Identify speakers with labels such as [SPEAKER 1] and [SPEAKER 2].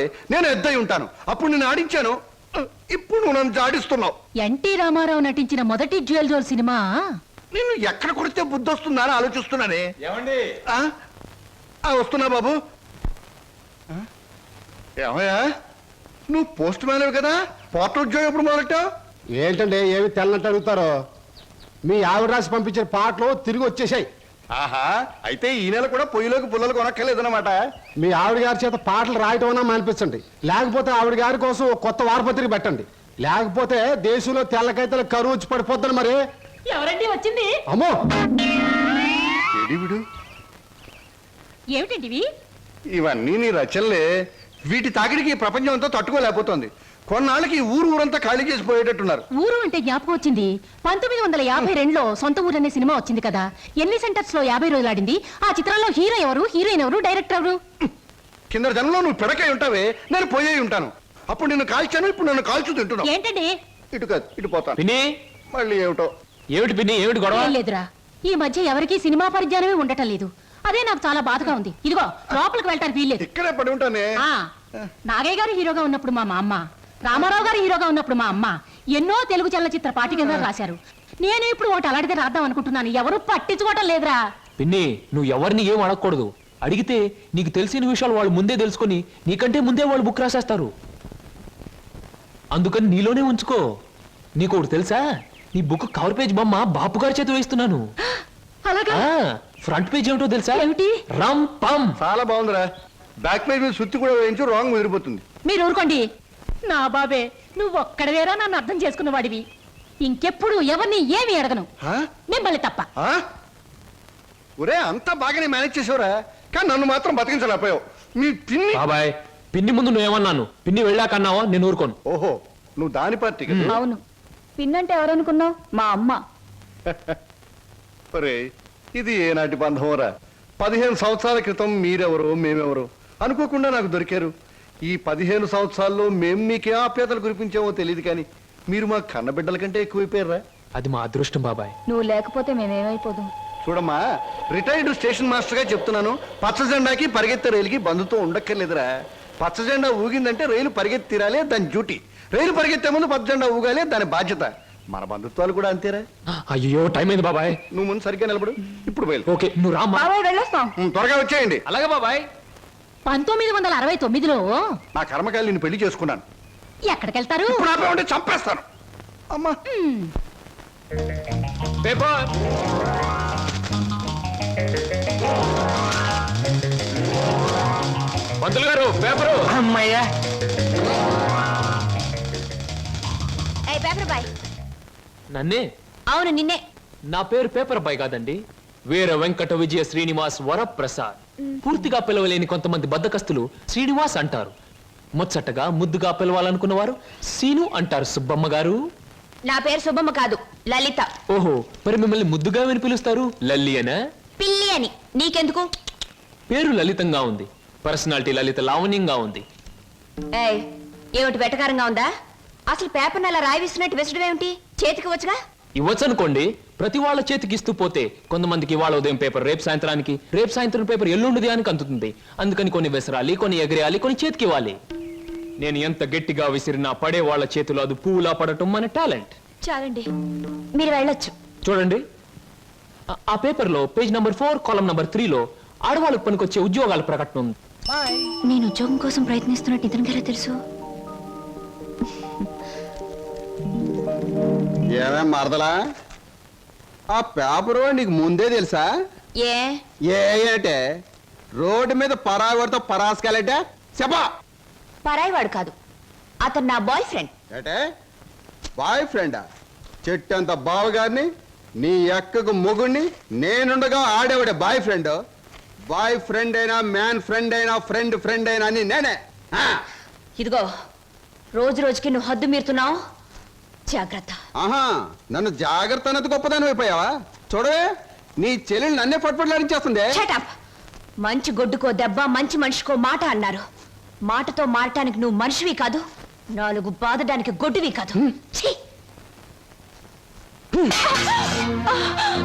[SPEAKER 1] నేను ఎద్దై ఉంటాను. అప్పుడు నేను ఆడించాను, ఇప్పుడు నువ్వు నన్ను జాడిస్తున్నావు.
[SPEAKER 2] ఎన్టీ రామారావు నటించిన మొదటి జ్యువెల్ జోల్ సినిమా.
[SPEAKER 1] నేను ఎక్కడ కొడితే బుద్ధి వస్తుందా అని ఆలోచిస్తున్నానే. వస్తున్నా బాబు. ఏమయ్యా, నువ్వు పోస్ట్ మ్యాన్ కదా, పోర్టల్ ఉద్యోగం ఎప్పుడు మొదలెట్టావు?
[SPEAKER 3] ఏంటండి ఏమి తెల్లంటే అడుగుతారో? మీ ఆవిడ రాసి పంపించిన పాటలు తిరిగి వచ్చేసాయి.
[SPEAKER 1] ఆహా, అయితే ఈ నెల కూడా పొయ్యిలోకి పుల్లలు కొనక్కర్లేదన్నమాట.
[SPEAKER 3] మీ ఆవిడ గారి చేత పాటలు రాయటం అన్నా మానిపించండి, లేకపోతే ఆవిడ గారి కోసం కొత్త వారపత్రిక పెట్టండి. లేకపోతే దేశంలో తెల్లకైతే కరువు వచ్చి పడిపోద్దని. మరి
[SPEAKER 2] ఎవరండి వచ్చింది?
[SPEAKER 3] అమ్మో,
[SPEAKER 2] ఏమిటండి
[SPEAKER 1] ఇవన్నీ నీ రచనలే. వీటి తాకిడికి ప్రపంచం అంతా తట్టుకోలేకపోతుంది. కొన్నాళ్ళకి ఊరంతా ఖాళీ చేసి పోయేటట్టున్నారు.
[SPEAKER 2] ఊరు అంటే జ్ఞాపకం వచ్చింది. 1952లో సొంత ఊరు అనే సినిమా వచ్చింది కదా. ఎన్ని సెంటర్స్ లో 50 రోజులు ఆడింది. ఆ చిత్రంలో హీరో ఎవరు, హీరోయిన్ ఎవరు, డైరెక్టర్ ఎవరు?
[SPEAKER 1] కింద జనంలో నువ్వు పిడకై ఉంటావే, నేను పోయే ఉంటాను. అప్పుడు నిన్ను కాల్చాను, ఇప్పుడు నన్ను కాల్చు తింటున్నావు.
[SPEAKER 2] ఏంటండి?
[SPEAKER 1] ఇటు కాదు, ఇటు పోతాను. మళ్ళీ ఏమిటో.
[SPEAKER 4] ఏమిటి పిన్ని, ఏమిటి గొడవ?
[SPEAKER 2] లేదురా, ఈ మధ్య ఎవరికి సినిమా పరిజ్ఞానమే ఉండటం లేదు. అదే నాకు చాలా బాధగా ఉంది. ఇదిగో లోపలికి వెళ్ళటానికి వీల్లేదు.
[SPEAKER 1] ఇక్కడే పడి ఉంటానే.
[SPEAKER 2] నాగయ్య గారు హీరోగా ఉన్నప్పుడు మా అమ్మ, రామారావు గారు హీరోగా ఉన్నప్పుడు మా అమ్మ ఎన్నో తెలుగు చలనచిత్ర పాఠ్యగ్రంథాలు రాశారు. నేను ఇప్పుడు ఒకటి అలాంటిదే రాద్దాం అనుకుంటున్నాను. ఎవరు పట్టించుకోవటం లేదురా.
[SPEAKER 4] పిన్ని, నువ్వు ఎవరిని ఏం అడగకూడదు. అడిగితే నీకు తెలిసిన విషయాలు వాళ్ళు ముందే తెలుసుకొని నీకంటే ముందే వాళ్ళు బుక్ రాసేస్తారు. అందుకని నీలోనే ఉంచుకో. నీకు ఒకటి తెలుసా, నీ బుక్ కవర్ పేజ్ బొమ్మ బాపు గారి చేత వేస్తున్నాను. ఫ్రంట్ పేజ్ ఏమిటో తెలుసా?
[SPEAKER 2] ఏమిటి?
[SPEAKER 4] రమ్ పమ్.
[SPEAKER 1] చాలా బాగుందిరా. బ్యాక్ పేజ్ మీద సుత్తి కూడా వేయించు, రాంగ్ ముదిరిపోతుంది.
[SPEAKER 2] మీరు ఊరుకోండి. నా బాబే, నువ్వు ఒక్కడవేరా నన్ను అర్థం చేసుకున్న వాడివి. ఇంకెప్పుడు ఎవరిని ఏమి అడగను, మిమ్మల్ని తప్ప.
[SPEAKER 1] ఒరే, అంతా బాగానే మేనేజ్ చేసావురా, కానీ నన్ను మాత్రం బతికించలేకపోయావు. మీ పిన్ని.
[SPEAKER 4] బాబాయ్, పిన్ని ముందు నువ్వేమన్నాను, పిన్ని వెళ్ళాకన్నావా? నేను ఊరుకోను.
[SPEAKER 1] ఓహో, నువ్వు దాని పార్టీ కదా.
[SPEAKER 2] అవును. పిన్నంటే ఎవరనుకున్నావు? మా అమ్మ.
[SPEAKER 1] ఒరే, ఇది ఏనాటి బంధంరా. 15 సంవత్సరాల క్రితం మీరెవరో మేమెవరో అనుకోకుండా నాకు దొరికారు. ఈ 15 సంవత్సరాల్లో మేము మీకే ఆప్యాతలు కురిపించామో తెలియదు, కానీ మీరు మా కన్నబిడ్డల కంటే ఎక్కువైపోయారా.
[SPEAKER 4] అది మా అదృష్టం బాబాయ్.
[SPEAKER 2] నువ్వు లేకపోతే మేమేమైపోదు.
[SPEAKER 1] చూడమ్మా, రిటైర్డ్ స్టేషన్ మాస్టర్ గా చెప్తున్నాను, పచ్చ జెండాకి పరిగెత్తే రైలుకి బంధుతో ఉండక్కర్లేదురా. పచ్చ జెండా ఊగిందంటే రైలు పరిగెత్తి తీరాలి, దాని డ్యూటీ. రైలు పరిగెత్తే ముందు పచ్చ జెండా ఊగాలి, దాని బాధ్యత. మన బంధుత్వాలు కూడా అంతేరా.
[SPEAKER 4] అయ్యో, టైం అయింది బాబాయ్.
[SPEAKER 1] నువ్వు ముందు సరిగ్గా నిలబడు, ఇప్పుడు బయలు.
[SPEAKER 4] ఓకే, నువ్వు రామ్మా.
[SPEAKER 1] త్వరగా వచ్చేయండి.
[SPEAKER 4] అలాగే బాబాయ్.
[SPEAKER 2] 1969లో
[SPEAKER 1] నా కర్మకాయలు నేను పెళ్లి చేసుకున్నాను.
[SPEAKER 2] ఎక్కడికెళ్తారు?
[SPEAKER 1] ఇప్పుడు ఆపే ఉంటే చంపేస్తాను. అమ్మా,
[SPEAKER 4] పేపర్. పంతులు గారు, పేపరు.
[SPEAKER 5] అమ్మయ్యా.
[SPEAKER 4] నన్నే?
[SPEAKER 2] అవును, నిన్నే.
[SPEAKER 4] నా పేరు పేపర్ బాయ్ కాదండి, వీర వెంకట విజయ శ్రీనివాస్ వరప్రసాద్. పూర్తిగా పిలవలేని కొంతమంది బద్దకస్తులు శ్రీనివాస్ అంటారు. ముచ్చటగా ముద్దుగా పిలవాలనుకున్న వారు సీను అంటారు. సుబ్బమ్మ గారు.
[SPEAKER 2] నా పేరు సుబ్బమ్మ కాదు, లలిత.
[SPEAKER 4] ఓహో, మరి మిమ్మల్ని ముద్దుగా విని పిలుస్తారు లల్లి అనా?
[SPEAKER 2] పిల్లి అని. నీకెందుకు?
[SPEAKER 4] పేరు లలితంగా ఉంది, పర్సనాలిటీ లలిత లావణ్యంగా ఉంది.
[SPEAKER 2] ఏమిటి వెటకారంగా ఉందా? అసలు పేపర్ అలా రాయిస్తున్నట్టు విసడం ఏమిటి? చేతికి వచ్చుగా.
[SPEAKER 4] ఇవ్వచ్చు అనుకోండి, ప్రతి వాళ్ళ చేతికి ఇస్తూ పోతే కొంతమందికి ఇవాళ ఉదయం పేపర్ రేపు సాయంత్రానికి, రేపు సాయంత్రం పేపర్ ఎల్లుండి దానికి అందుతుంది. అందుకని కొన్ని విసరాలి, కొన్ని ఎగరేయాలి, కొన్ని చేతికి ఇవ్వాలి. నేను ఎంత గట్టిగా విసిరినా పడే వాళ్ళ చేతిలో అది పువ్వులా పడటం మన టాలెంట్.
[SPEAKER 2] చాలండి, మీరు వెళ్ళొచ్చు.
[SPEAKER 4] చూడండి, ఆ పేపర్ లో పేజ్ నంబర్ 4 కాలం నంబర్ 3లో ఆడవాళ్ళకు పనికొచ్చే ఉద్యోగాల ప్రకటన ఉంది.
[SPEAKER 2] నేను ఉద్యోగం కోసం ప్రయత్నిస్తున్నట్టు ఇతనికెలా తెలుసు?
[SPEAKER 3] ఏమేం మరదలా, ఆ పేపరు నీకు ముందే తెలుసా? ఏంటే రోడ్డు మీద పరాయివాడితో పరాసుకెళ్ళటే చెప్పా.
[SPEAKER 2] పరాయివాడు కాదు, అతను నా బాయ్ ఫ్రెండ్.
[SPEAKER 3] ఏటే బాయ్ ఫ్రెండా? చెట్టంత బావగారిని, నీ ఎక్కకు మొగుణ్ణి, నేనుండగా ఆడేవాడే బాయ్ ఫ్రెండ్. బాయ్ ఫ్రెండ్ అయినా, మ్యాన్ ఫ్రెండ్ అయినా, ఫ్రెండ్ ఫ్రెండ్ అయినా అని నేనే.
[SPEAKER 2] ఇదిగో, రోజు రోజుకి నువ్వు హద్దు మీరుతున్నావు, జాగ్రత్త.
[SPEAKER 3] ఆహా, నన్ను జాగ్రత్త అన్నది గొప్పదాని అయిపోయావా? చూడవే, నీ చెల్లెలు నన్నే పట్టుపట్లాడించేస్తుంది.
[SPEAKER 2] మంచి గొడ్డుకో దెబ్బ, మంచి మనిషికో మాట అన్నారు. మాటతో మారటానికి నువ్వు మనిషివి కాదు, 4 బాదడానికి గొడ్డువి కాదు.